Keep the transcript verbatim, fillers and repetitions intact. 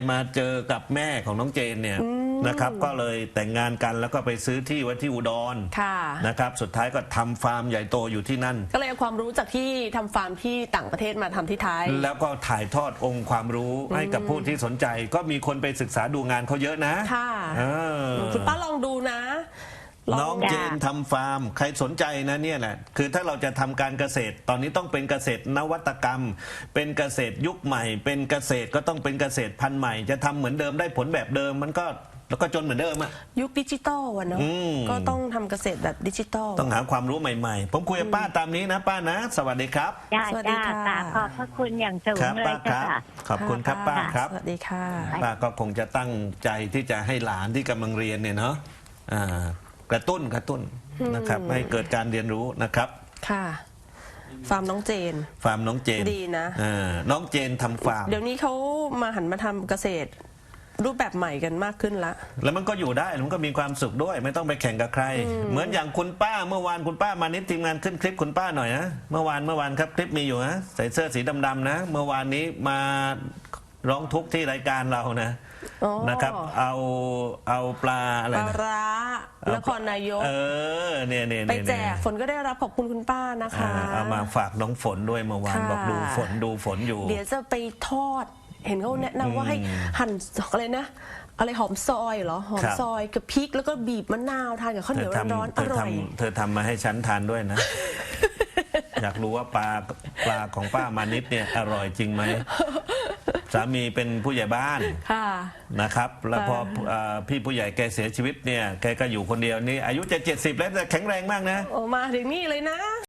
มาเจอกับแม่ของน้องเจนเนี่ยนะครับก็เลยแต่งงานกันแล้วก็ไปซื้อที่ไว้ที่อุดรนะครับสุดท้ายก็ทำฟาร์มใหญ่โตอยู่ที่นั่นก็เลยเอาความรู้จากที่ทำฟาร์มที่ต่างประเทศมาทำที่ไทยแล้วก็ถ่ายทอดองค์ความรู้ให้กับผู้ที่สนใจก็มีคนไปศึกษาดูงานเขาเยอะนะค่ะคุณป้าลองดูนะน้องเจนทำฟาร์มใครสนใจนะเนี่ยแหละคือถ้าเราจะทำการเกษตรตอนนี้ต้องเป็นเกษตรนวัตกรรมเป็นเกษตรยุคใหม่เป็นเกษตรก็ต้องเป็นเกษตรพันธุ์ใหม่จะทำเหมือนเดิมได้ผลแบบเดิมมันก็แล้วก็จนเหมือนเดิมอะยุคดิจิตอลวะเนาะก็ต้องทำเกษตรแบบดิจิตอลต้องหาความรู้ใหม่ๆผมคุยกับป้าตามนี้นะป้านะสวัสดีครับสวัสดีค่ะขอบพระคุณอย่างสูงเลยค่ะขอบคุณครับป้าครับสวัสดีค่ะป้าก็คงจะตั้งใจที่จะให้หลานที่กำลังเรียนเนี่ยเนาะกระตุ้นกระตุ้นนะครับให้เกิดการเรียนรู้นะครับค่ะฟาร์มน้องเจนฟาร์มน้องเจนดีนะน้องเจนทำฟาร์มเดี๋ยวนี้เขามาหันมาทำเกษตรรูปแบบใหม่กันมากขึ้นละแล้วมันก็อยู่ได้มันก็มีความสุขด้วยไม่ต้องไปแข่งกับใครเหมือนอย่างคุณป้าเมื่อวานคุณป้ามานิดทีมงานขึ้นคลิปคุณป้าหน่อยนะเมื่อวานเมื่อวานครับคลิปมีอยู่นะใส่เสื้อสีดำๆนะเมื่อวานนี้มาร้องทุกข์ที่รายการเรานะนะครับเอาเอาปลาอะไรปลาร้านครนายกเออเนี่ยเนี่ยไปแจกฝนก็ได้รับขอบคุณคุณป้านะคะเอามาฝากน้องฝนด้วยเมื่อวานบอกดูฝนดูฝนอยู่เดี๋ยวจะไปทอดเห็นเขาแนะนำว่าให้หั่นอะไรนะอะไรหอมซอยเหรอหอมซอยกับพริกแล้วก็บีบมะนาวทานกับข้าวเหนียวร้อนๆอร่อยเธอทำมาให้ฉันทานด้วยนะอยากรู้ว่าปลาปลาของป้ามานิดเนี่ยอร่อยจริงไหมสามีเป็นผู้ใหญ่บ้านนะครับแล้วพอพี่ผู้ใหญ่แกเสียชีวิตเนี่ยแกก็อยู่คนเดียวนี่อายุจะเจ็ดสิบแล้วแต่แข็งแรงมากนะโอ้มาถึงนี่เลยนะ